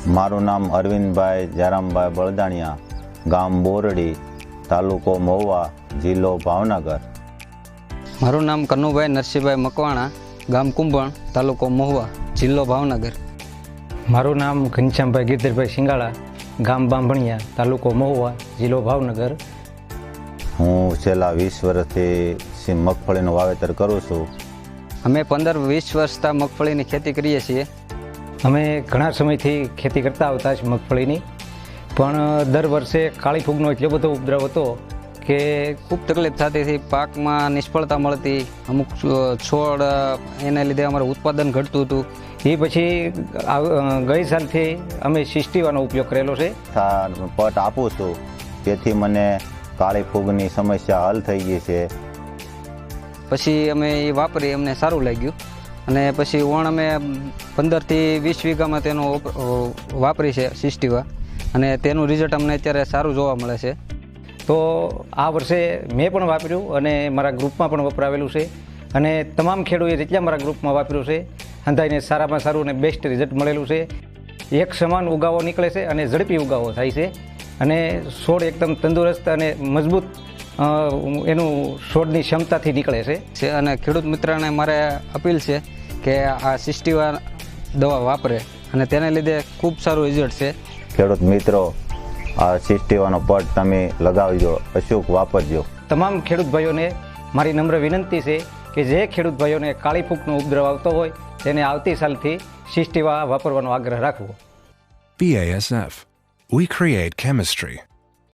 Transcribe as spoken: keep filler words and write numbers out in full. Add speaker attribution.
Speaker 1: મારું નામ અરવિંદભાઈ જયરામભાઈ બળદાણિયા, ગામ બોરડી, તાલુકો મહુવા, જિલ્લો ભાવનગર.
Speaker 2: મારું નામ કનુભાઈ નરસિંહભાઈ મકવાણા, ગામ કુંભણ, તાલુકો મહુવા, જિલ્લો ભાવનગર.
Speaker 3: મારું નામ ઘનશ્યામભાઈ ગિરધરભાઈ સિંગાળા, ગામ બાંભણિયા, તાલુકો મહુવા, જિલ્લો ભાવનગર.
Speaker 1: હું છેલ્લા વીસ વર્ષથી મગફળીનું વાવેતર કરું છું.
Speaker 2: અમે પંદર વીસ વર્ષથી મગફળીની ખેતી કરીએ છીએ.
Speaker 3: અમે ઘણા સમયથી ખેતી કરતા આવતા છે મગફળીની, પણ દર વર્ષે કાળી ફૂગનો એટલો બધો ઉપદ્રવ હતો કે
Speaker 2: ખૂબ તકલીફ થતી હતી. પાકમાં નિષ્ફળતા મળતી, અમુક છોડ એને લીધે અમારું ઉત્પાદન ઘટતું હતું.
Speaker 3: એ પછી ગઈ સાલથી અમે સિસ્ટીવાનો ઉપયોગ કરેલો છે.
Speaker 1: પટ આપું છું, તેથી મને કાળી ફૂગની સમસ્યા હલ થઈ ગઈ છે.
Speaker 2: પછી અમે એ વાપરી, અમને સારું લાગ્યું અને પછી ઓણ અમે પંદરથી વીસ વીઘામાં તેનો વાપરી છે સિસ્ટીવા, અને તેનું રિઝલ્ટ અમને અત્યારે સારું જોવા મળે છે.
Speaker 3: તો આ વર્ષે મેં પણ વાપર્યું અને મારા ગ્રુપમાં પણ વપરાવેલું છે, અને તમામ ખેડૂતોએ જેટલા મારા ગ્રુપમાં વાપર્યું છે અંદાજને સારામાં સારું અને બેસ્ટ રિઝલ્ટ મળેલું છે. એક સમાન ઉગાવો નીકળે છે અને ઝડપી ઉગાવો થાય છે, અને છોડ એકદમ તંદુરસ્ત અને મજબૂત એનું છોડની ક્ષમતાથી નીકળે છે.
Speaker 2: અને ખેડૂત મિત્રને મારે અપીલ છે કે આ સિસ્ટીવા દવા વાપરે, અને તેને લીધે ખૂબ સારું રિઝલ્ટ છે.
Speaker 1: ખેડૂત મિત્રો, આ સિસ્ટીવાનો પટ તમે લગાવજો, અચૂક વાપરજો.
Speaker 3: તમામ ખેડૂત ભાઈઓને મારી નમ્ર વિનંતી છે કે જે ખેડૂત ભાઈઓને કાળી ફૂગનો ઉપદ્રવ આવતો હોય તેને આવતી સાલથી સિસ્ટીવા વાપરવાનો આગ્રહ રાખવો.
Speaker 4: B A S F. We create chemistry.